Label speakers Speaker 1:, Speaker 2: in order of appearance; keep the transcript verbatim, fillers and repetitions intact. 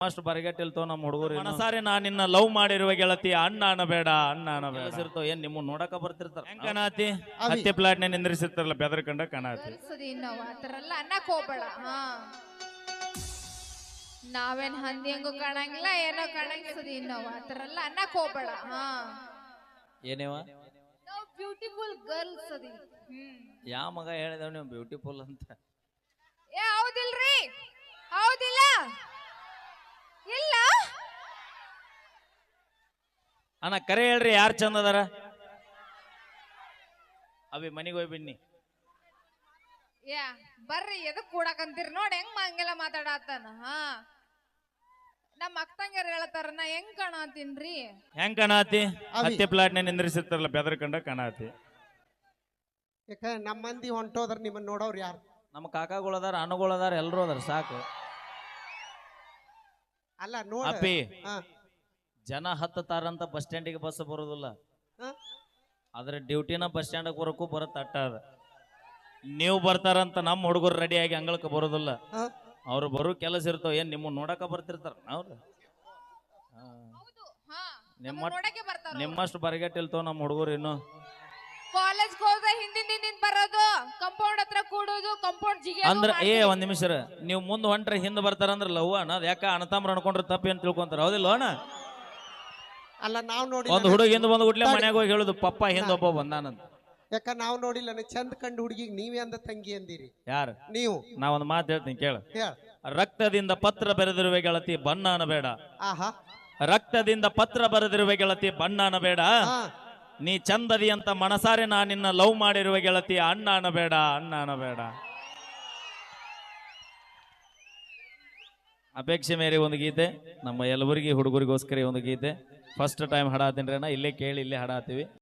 Speaker 1: ಅಷ್ಟು ಬರಗಟ್ಟಿಲ್ತೋ ನಮ್ಮ ಹುಡುಗರು ಮನಸಾರೆ ನಾ ನಿನ್ನ ಲವ್ ಮಾಡಿರುವ ಗೆಳತಿ ಅಣ್ಣ ಅನ್ನಬೇಡ ಅಣ್ಣ ಅನ್ನಬೇಡ ಇರ್ತಾವ ಏನ್ ನಿಮ್ಮ ನೋಡಕ ಬರ್ತಿರ್ತಾರ ಹೆಂಗ್ ಕಣಾತಿ ಹತ್ತಿ ಪ್ಲಾಟ್ ನೇ ನಿಂದ್ರಿಸಿರ್ತಾರಲ್ಲ ಬೆದರ್ಕಂಡ ಕಣಾತಿ
Speaker 2: ನಾವು ಆತರಲ್ಲ ಅನ್ನಕ್ ಹೋಗ್ಬೇಡ ಹಾ ನಾವೇನ್ ಹಂದಿ ಹೆಂಗು ಕಾಣಂಗಿಲ್ಲ ಏನೋ ಕಾಣಂಗಿಸದಿ ನಾವು ಆತರಲ್ಲ ಅನ್ನಕ್ ಹೋಗ್ಬೇಡ ಹಾ
Speaker 1: ಏನೇವ
Speaker 2: ನಾವು ಬ್ಯೂಟಿಫುಲ್ ಗರ್ಲ್ಸ್ ಅದಿ ಹ್ಮ್
Speaker 1: ಯಾವ ಮಗ ಹೇಳಿದವ ನೀವು ಬ್ಯೂಟಿಫುಲ್ ಅಂತ
Speaker 2: ಏ ಹೌದಿಲ್ರಿ ಹೌದಿಲ್ಲ ಇಲ್ಲ
Speaker 1: ಅಣ್ಣ ಕರೆ ಹೇಳ್ರಿ ಯಾರು ಚಂದ ಅದಾರ ಅವಿ ಮನಿಗೆ ಹೋಗಿ ಬಿನ್ನಿ
Speaker 2: ಯಾ ಬರ್ರಿ ಎದಕ್ ಕೂಡಕಂತೀರಿ ನೋಡಿ ಹೆಂಗ್ ಹಂಗೆಲ್ಲ ಮಾತಾಡತ್ತಾನ ಹಾ ನಮ್ಮ ಅಕ್ಕಂಗಾರ ಹೇಳ್ತಾರ ನಾ ಹೆಂಗ್ ಕಾಣತೀನ್ರಿ
Speaker 1: ಹೆಂಗ್ ಕಾಣಾತಿ ಹತ್ತಿ ಪ್ಲಾಟ್ ನೇ ನಿಂದ್ರಿಸಿರ್ತಾರಲ್ಲ ಬೆದರ್ಕಂಡ ಕಾಣಾತಿ
Speaker 3: ಯಾಕ ನಮ್ಮ ಮಂದಿ ಹೊಂಟೋದ್ರ ನಿಮ್ಮನ್ನ ನೋಡೋರು ಯಾರು
Speaker 1: ನಮ್ಮ ಕಾಕಾಗಳದಾರ ಅಣ್ಣಗಳದಾರ ಎಲ್ರು ಅದಾರ ಸಾಕು
Speaker 3: ಅಲ್ಲ ನೋಡ
Speaker 1: ಅಪ್ಪಿ ಜನ ಹತ್ತತಾರಂತ ಬಸ್ ಸ್ಟ್ಯಾಂಡಿಗೆ ಬಸ್ ಬರೋದಿಲ್ಲ ಆದ್ರೆ ಡ್ಯೂಟಿನ ಬಸ್ ಸ್ಟ್ಯಾಂಡ್ ಬರೋಕು ಬರತ್ತ ಅಟ್ಟ ಅದ ನೀವು ಬರ್ತಾರಂತ ನಮ್ಮ ಹುಡುಗರು ರೆಡಿ ಆಗಿ ಅಂಗಳಕ್ಕೆ ಬರೋದಿಲ್ಲ ಅವ್ರು ಬರೋ ಕೆಲಸ ಇರ್ತಾವ ಏನ್ ನಿಮ್ಮ ನೋಡಕ ಬರ್ತಿರ್ತಾರ ಅವ್ರು ನಿಮ್ಮ ನಿಮ್ಮಷ್ಟು ಬರಗಟ್ಟಿಲ್ತೋ ನಮ್ಮ ಹುಡುಗರು ಇನ್ನು
Speaker 2: ಕಾಲೇಜ್ ಹೋದ ಹಿಂದಿನ ಹಿಂದಿನ ಬರೋದು ಕಂಪೌಂಡ್ ಹತ್ರ ಕೂಡೋದು ಕಂಪೌಂಡ್ ಜಿಗೆ
Speaker 1: ಅಂದ್ರ ಏ ಒಂದ್ ನಿಮಿಷ ನೀವು ಮುಂದ್ ಹೊಂಟ್ರೆ ಹಿಂದ್ ಬರ್ತಾರಂದ್ರ ಲವ್ ಅಣ್ಣ ಯಾಕ ಅಣ್ಣತಾಮ್ರ ಅನ್ಕೊಂಡ್ರೆ ತಪ್ಪಿ ಅಂತ ತಿಳ್ಕೊಂತಾರ ಹೌದಿಲ್ಲ ಅಣ್ಣ
Speaker 3: ಅಲ್ಲ ನಾವ್ ನೋಡಿ
Speaker 1: ಒಂದ್ ಹುಡುಗ ಹಿಂದ್ ಬಂದ್ ಗುಟ್ಲೆ ಮನ್ಯಾಗ ಹೋಗಿ ಹೇಳುದು ಪಪ್ಪ ಹಿಂದ್ ಒಬ್ಬ ಬಂದಾನಂತ
Speaker 3: ಯಾಕ ನಾವ್ ನೋಡಿಲ್ಲ ಚಂದ ಕಂಡು ಹುಡುಗಿಗೆ ನೀವೇ ಅಂದ ತಂಗಿ ಅಂದಿರಿ
Speaker 1: ಯಾರು
Speaker 3: ನೀವು
Speaker 1: ನಾ ಒಂದ್ ಮಾತು ಹೇಳ್ತೀನಿ ಕೇಳ
Speaker 3: ಹೇಳ
Speaker 1: ರಕ್ತದಿಂದ ಪತ್ರ ಬರೆದಿರುವೆ ಗೆಳತಿ ಬಣ್ಣ ಅನ್ನಬೇಡ
Speaker 3: ಆಹಾ
Speaker 1: ರಕ್ತದಿಂದ ಪತ್ರ ಬರೆದಿರುವೆ ಗೆಳತಿ ಬಣ್ಣ ಅನ್ನಬೇಡ ನೀ ಚಂದದಿ ಅಂತ ಮನಸಾರೆ ನಾ ನಿನ್ನ ಲವ್ ಮಾಡಿರುವ ಗೆಳತಿ ಅಣ್ಣ ಅನ್ನಬೇಡ ಅಣ್ಣ ಅನ್ನಬೇಡ ಅಪೇಕ್ಷೆ ಮೇರೆ ಒಂದು ಗೀತೆ ನಮ್ಮ ಯಲಬುರ್ಗಿ ಹುಡುಗರಿಗೋಸ್ಕರ ಒಂದು ಗೀತೆ ಫಸ್ಟ್ ಟೈಮ್ ಹಾಡಾತೀನಿ ಅಣ್ಣ ಇಲ್ಲೇ ಕೇಳಿ ಇಲ್ಲೇ ಹಾಡಾತೀವಿ